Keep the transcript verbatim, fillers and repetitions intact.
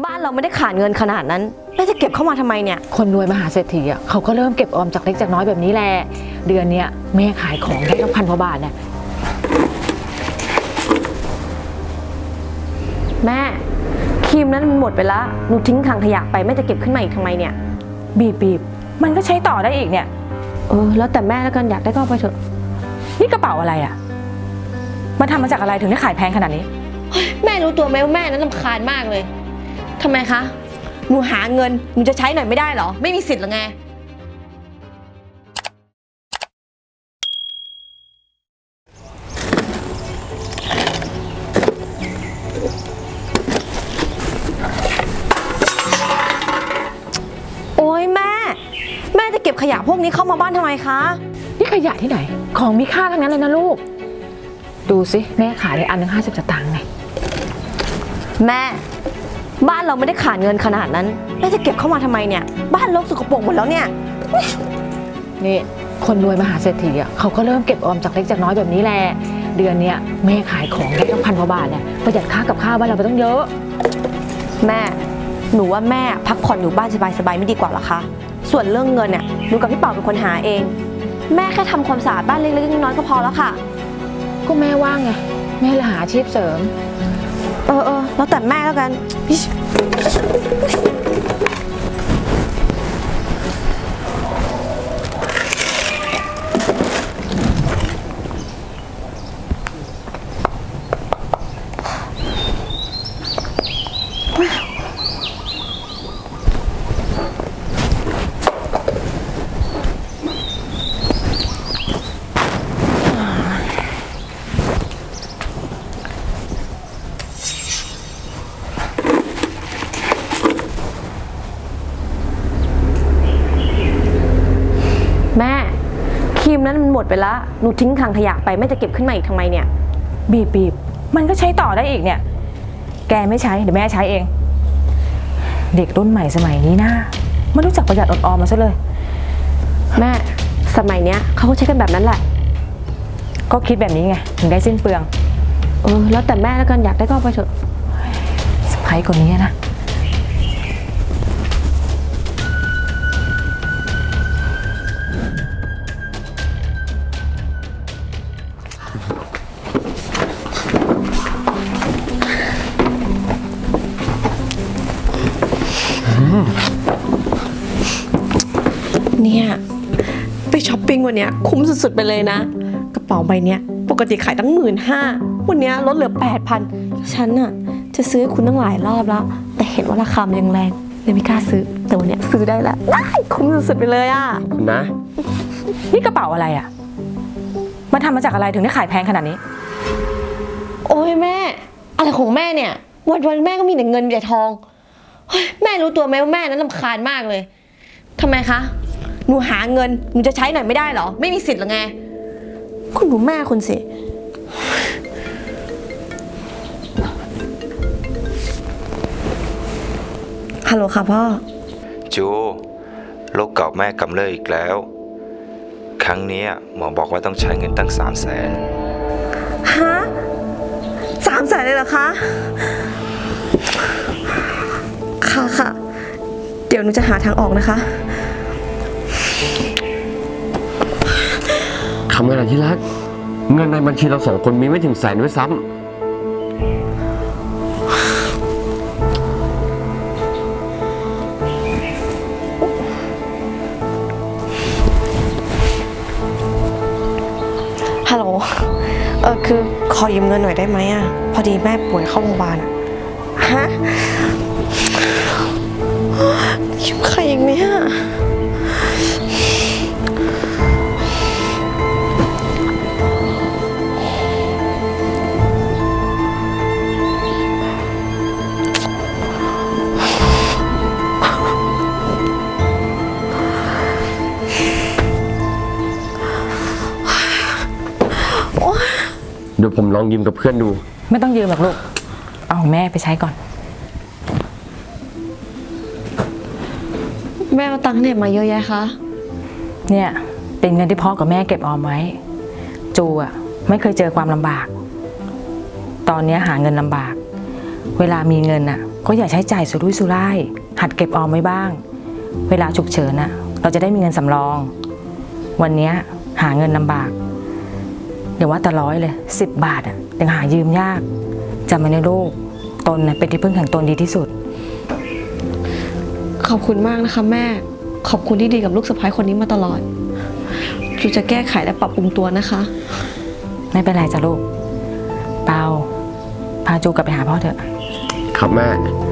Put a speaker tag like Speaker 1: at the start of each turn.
Speaker 1: บ้านเราไม่ได้ขาดเงินขนาดนั้นแล้วจะเก็บเข้ามาทำไมเนี่ย
Speaker 2: คนรวยมหาเศรษฐีอ่ะเขาก็เริ่มเก็บออมจากเล็กจากน้อยแบบนี้แหละเดือนเนี้ยแม่ขายของได้ตั้งพันกว่าบาทเนี่ย
Speaker 1: แม่ครีมนั้นมันหมดไปแล้วหนูทิ้งถังขยะไปแม่จะเก็บขึ้นมาอีกทำไมเนี่ย
Speaker 2: บีบบีบมันก็ใช้ต่อได้อีกเนี่ย
Speaker 1: เออแล้วแต่แม่แล้วกันอยากได้ก็เอาไปเถอะ
Speaker 2: นี่กระเป๋าอะไรอ่ะมันทำมาจากอะไรถึงได้ขายแพงขนาดนี้
Speaker 1: แม่รู้ตัวไหมว่าแม่นั้นรำคาญมากเลยทำไมคะหนูหาเงินหนูจะใช้หน่อยไม่ได้เหรอไม่มีสิทธิ์หรอไงโอ๊ยแม่แม่จะเก็บขยะพวกนี้เข้ามาบ้านทำไมคะ
Speaker 2: นี่ขยะที่ไหนของมีค่าทั้งนั้นเลยนะลูกดูสิแม่ขายได้อันหนึ่งห้าสิบสตางค์ไง
Speaker 1: แม่บ้านเราไม่ได้ขาดเงินขนาดนั้นแล้วจะเก็บเข้ามาทำไมเนี่ยบ้านรกสกปรกหมดแล้วเนี่ย
Speaker 2: นี่คนรวยมหาเศรษฐีอ่ะเขาก็เริ่มเก็บออมจากเล็กจากน้อยแบบนี้แหละเดือนเนี้ยแม่ขายของได้ตั้งพันกว่าบาทเนี่ยประหยัดค่ากับข้าวบ้านเราไปตั้งเยอะ
Speaker 1: แม่หนูว่าแม่พักผ่อนอยู่บ้านสบายๆไม่ดีกว่าหรอคะส่วนเรื่องเงินเนี่ยหนูกับพี่เป่าเป็นคนหาเองแม่แค่ทำความสะอาดบ้านเล็กๆน้อยๆก็พอแล้วค่ะ
Speaker 2: ก็แม่ว่างไงแม่เลยหาอาชีพเสริม
Speaker 1: เออเออแล้วแต่แม่แล้วกันแม่ครีมนั้นมันหมดไปแล้วหนูทิ้งถังขยะไปแม่จะเก็บขึ้นมาอีกทำไมเนี่ย
Speaker 2: บีบบีบมันก็ใช้ต่อได้อีกเนี่ยแกไม่ใช้เดี๋ยวแม่ใช้เองเด็กรุ่นใหม่สมัยนี้นะไม่รู้จักประหยัดอดออมมาซะเลย
Speaker 1: แม่สมัยเนี้ยเขาก็ใช้กันแบบนั้นแหละ
Speaker 2: ก็คิดแบบนี้ไงถึงได้สิ้นเปลือง
Speaker 1: เออแล้วแต่แม่แล้วกันอยากได้ก็เอาไปเถอะ
Speaker 2: สไพรส์กว่านี้นะ
Speaker 1: เนี่ยไปช้อปปิ้งวันนี้คุ้มสุดๆไปเลยนะกระเป๋าใบนี้ปกติขายตั้งหมื่นห้าวันนี้ลดเหลือแปดพันฉันน่ะจะซื้อคุณตั้งหลายรอบแล้วแต่เห็นว่าราคามันยังแรงเลยไม่กล้าซื้อแต่วันนี้ซื้อได้แล้วได้คุ้มสุดๆไปเลยอ่ะ
Speaker 3: คุณนะ
Speaker 2: นี่กระเป๋าอะไรอ่ะมันทำมาจากอะไรถึงได้ขายแพงขนาดนี้
Speaker 1: โอ้ยแม่อะไรของแม่เนี่ยวันวันแม่ก็มีแต่เงินมีแต่ทองแม่รู้ตัวไหมว่าแม่นั้นรำคาญมากเลยทำไมคะหนูหาเงินหนูจะใช้หน่อยไม่ได้เหรอไม่มีสิทธิ์หรอไงคุณดูแม่คุณสิฮัลโหลค่ะพ่อ
Speaker 3: จูโรคเก่าแม่กำเริบอีกแล้วครั้งนี้หมอบอกว่าต้องใช้เงินตั้งสามแสน
Speaker 1: ฮะสามแสนเลยเหรอคะค่ะค่ะเดี๋ยวหนูจะหาทางออกนะคะ
Speaker 3: คำอะไรที่รักเงินในบัญชีเราสองคนมีไม่ถึงแสนด้วยซ้ำ
Speaker 1: ฮัลโหลเออคือขอยืมเงินหน่อยได้ไหมอ่ะพอดีแม่ป่วยเข้าโรงพยาบาลอ่ะฮะยืมใครอีกเนี่ย
Speaker 3: เดี๋ยวผมลองยืมกับเพื่อนดู
Speaker 2: ไม่ต้องยืมหรอกลูกเอาแม่ไปใช้ก่อน
Speaker 1: แม่เอาตังค์เนี่ยมาเยอะแยะคะ
Speaker 2: เนี่ยเป็นเงินที่พ่อกับแม่เก็บออมไว้จูอ่ะไม่เคยเจอความลำบากตอนนี้หาเงินลำบากเวลามีเงินอ่ะก็อย่าใช้จ่ายสุรุ่ยสุร่ายหัดเก็บออมไว้บ้าง เวลาฉุกเฉินน่ะเราจะได้มีเงินสำรอง วันเนี้ยหาเงินลำบากเดี๋ยวว่าแต่ร้อยเลยสิบบาทอ่ะยังหายืมยากจำไว้นะลูกตนน่ะเป็นที่พึ่งแห่งตนดีที่สุด
Speaker 1: ขอบคุณมากนะคะแม่ ขอบคุณที่ดีกับลูกสะใภ้คนนี้มาตลอด จูจะแก้ไขและปรับปรุงตัวนะคะ
Speaker 2: ไม่เป็นไรจ้ะลูกเปาพาจูกลับไปหาพ่อเถอะ
Speaker 4: ครับแม่
Speaker 2: ค